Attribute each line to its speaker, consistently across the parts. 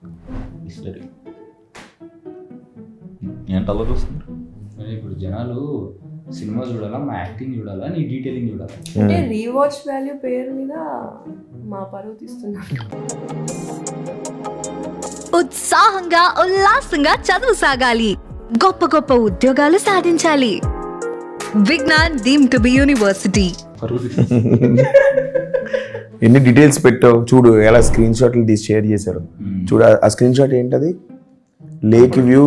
Speaker 1: History ఏంటలా చూస్తున్నారు?
Speaker 2: ఇప్పుడు జనాలు సినిమా చూడాలా, మా యాక్టింగ్ చూడాలా, నీ డీటెయిలింగ్ చూడాలా?
Speaker 3: అంటే రీవాచ్ వాల్యూ పేరు మీద మా పరువు తీస్తున్నారు.
Speaker 4: ఉత్సాహంగా ఉల్లాసంగా చదువు సాగాలి, గొప్ప గొప్ప ఉద్యోగాలు సాధించాలి. Vignan deemed to be university.
Speaker 5: ఎన్ని డీటెయిల్స్ పెట్టావు చూడు, ఎలా స్క్రీన్ షాట్లు తీసి షేర్ చేశారు చూడు. ఆ స్క్రీన్ షాట్ ఏంటది? లేక్ వ్యూ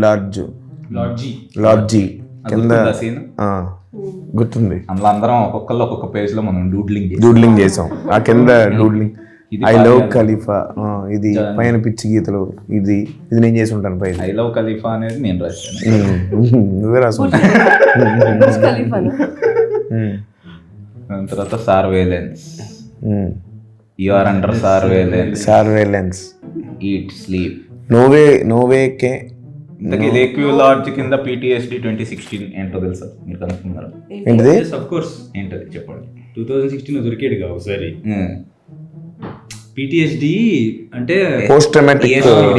Speaker 5: లాడ్జీ కింద గుర్తుంది.
Speaker 1: అందులో అందరం ఒక్కొక్కళ్ళు ఒక్కొక్క పేజ్ లో మనం
Speaker 5: డూడ్లింగ్ చేసాం. ఆ కింద డూడ్లింగ్ ఐ లవ్ ఖలీఫా, ఇది పైన పిచ్చి గీతలు, ఇది నేను చేసి ఉంటాను పైన.
Speaker 1: ఐ లవ్ ఖలీఫా అనేది నేను రాశాను,
Speaker 5: నువ్వే రాసు.
Speaker 1: తర్వాత surveillance, you are under surveillance, eat sleep, no way కే. లేక్ వ్యూ లాడ్జ్ కింద PTSD 2016 ఏంటో తెలుసా? మీరు కనుక్కున్నారా?
Speaker 5: ఏంటిది?
Speaker 2: Of course.
Speaker 1: ఏంటది చెప్పండి.
Speaker 2: 2016 దొరికాడు కదా ఒకసారి. PTSD అంటే
Speaker 5: పోస్ట్ ట్రామాటిక్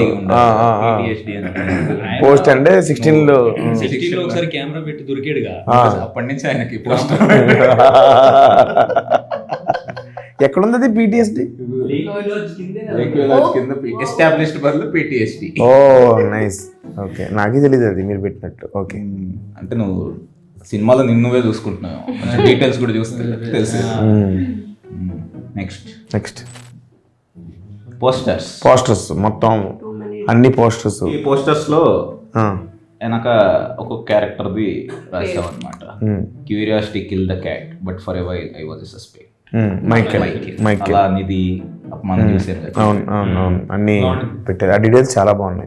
Speaker 5: పోస్ట్ అంటే 16లో
Speaker 2: ఒకసారి కెమెరా పెట్టి దొరికాడుగా,
Speaker 1: అప్పటి నుంచి ఆయనకి పోస్ట్.
Speaker 5: ఎక్కడుంది PTSD?
Speaker 1: ఎస్టాబ్లిష్డ్ బదులు PTSD.
Speaker 5: Oh nice, okay. నాకే తెలియదు అది మీరు పెట్టినట్టు. ఓకే,
Speaker 1: అంటే నువ్వు సినిమాలో నిన్నువే చూసుకుంటున్నావు, డీటెయిల్స్ కూడా చూస్తే తెలుసు. నెక్స్ట్ పోస్టర్స్ మొత్తం అన్ని పోస్టర్స్. ఈ పోస్టర్స్ లో వెనక ఒక్కొక్క క్యారెక్టర్ది రాసాం అనమాట. Curiosity kill the cat but for a while I was suspect. Michael Nidhi మనం చూసారు కదా.
Speaker 5: అవును అన్ని పెట్టారు. ఆ డీటెయిల్స్ చాలా బాగున్నాయి.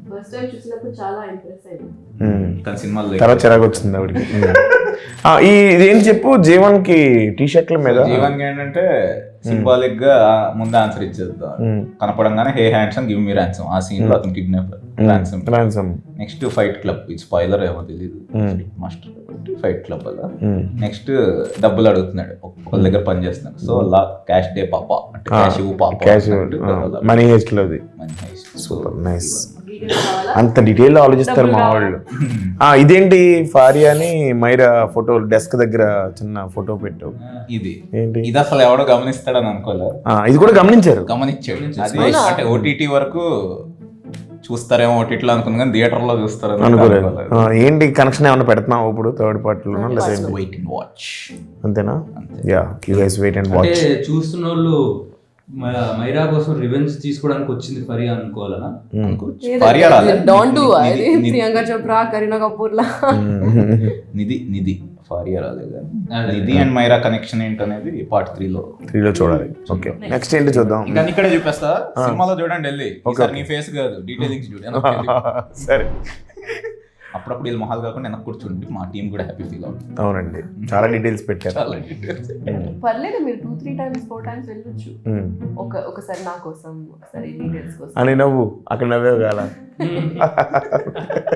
Speaker 5: తర్వాత చిరాకు వచ్చింది ఆవిడకి. ఇదేం చెప్పు, జీవన్ కి టీ-షర్ట్ల మీద
Speaker 1: జీవన్ ఏంటంటే సింబాలిక్ గా ముందు ఆన్సర్ ఇచ్చేద్దాం. కనపడంగానే hey handsome give me ransom, ఆ సీన్ లో అతను kidnapper ransom. Next fight club, ఇది స్పాయిలర్ ఏమో తెలియదు, మాస్టర్ ఫైట్ క్లబ్ అలా. నెక్స్ట్ డబ్బులు అడుగుతున్నాడు, ఒకళ్ళ దగ్గర పని చేస్తున్నాడు. సో అలా క్యాష్ డే పాప అంటే క్యాష్
Speaker 5: మనీ హెస్ట్ లోది. Super nice. అంత డీటెయిల్ ఆలోచిస్తారు మా వాళ్ళు. ఇదేంటి ఫారియా అని మైరా ఫోటో డెస్క్ దగ్గర చిన్న ఫోటో పెట్టావు.
Speaker 1: ఇది ఏంటి? ఇది అసలు ఎవడో గమనిస్తాడని అనుకోలేదు.
Speaker 5: ఇది కూడా గమనించాడు.
Speaker 1: అది అంటే OTT వరకు చూస్తారేమో OTTలో అనుకున్నా, కానీ థియేటర్ లో చూస్తారు
Speaker 5: అనుకోలేదు. ఏంటి కనెక్షన్ ఏమైనా పెడుతున్నావు ఇప్పుడు థర్డ్ పార్టీలో?
Speaker 1: వెయిట్ అండ్ వాచ్
Speaker 5: అంతేనా? Yeah, you guys wait and watch.
Speaker 2: చూస్తున్న వాళ్ళు మైరా కోసం రివెంజ్ తీసుకోవడానికి వచ్చింది ఫరియా అనుకోవాలనా?
Speaker 3: ప్రియాంక చోప్రా, కరీనా కపూర్ లా.
Speaker 1: నిధి ఫారియా రాలేదు. నిధి అండ్ మైరా కనెక్షన్ ఏంటనేది పార్ట్ 3లో
Speaker 5: చూడాలి. ఓకే, నెక్స్ట్ ఏంటి చూద్దాం.
Speaker 1: ఇంకా ఇక్కడే చూపిస్తా, సినిమాలో చూడండి వెళ్ళి. నీ ఫేస్ కాదు, డీటెయిలింగ్స్ చూడండి.
Speaker 5: సరే,
Speaker 1: అప్పుడప్పుడు వీళ్ళు మొహాలు కాకుండా వెనక్కి కూర్చుంటే మా టీం కూడా హ్యాపీ ఫీల్ అవుతుంది.
Speaker 5: అవునండి, చాలా డీటెయిల్స్ పెట్టారు.
Speaker 3: పర్లేదు, మీరు 2-3 times 4 times వెళ్ళొచ్చు. ఒకసారి నా కోసం, ఒకసారి డీటెయిల్స్ కోసం
Speaker 5: అని నవ్వు అక్కడ నవ్వేవు కాల.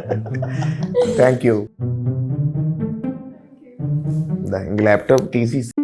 Speaker 5: Thank you. ఇంక ల్యాప్టాప్ తీసి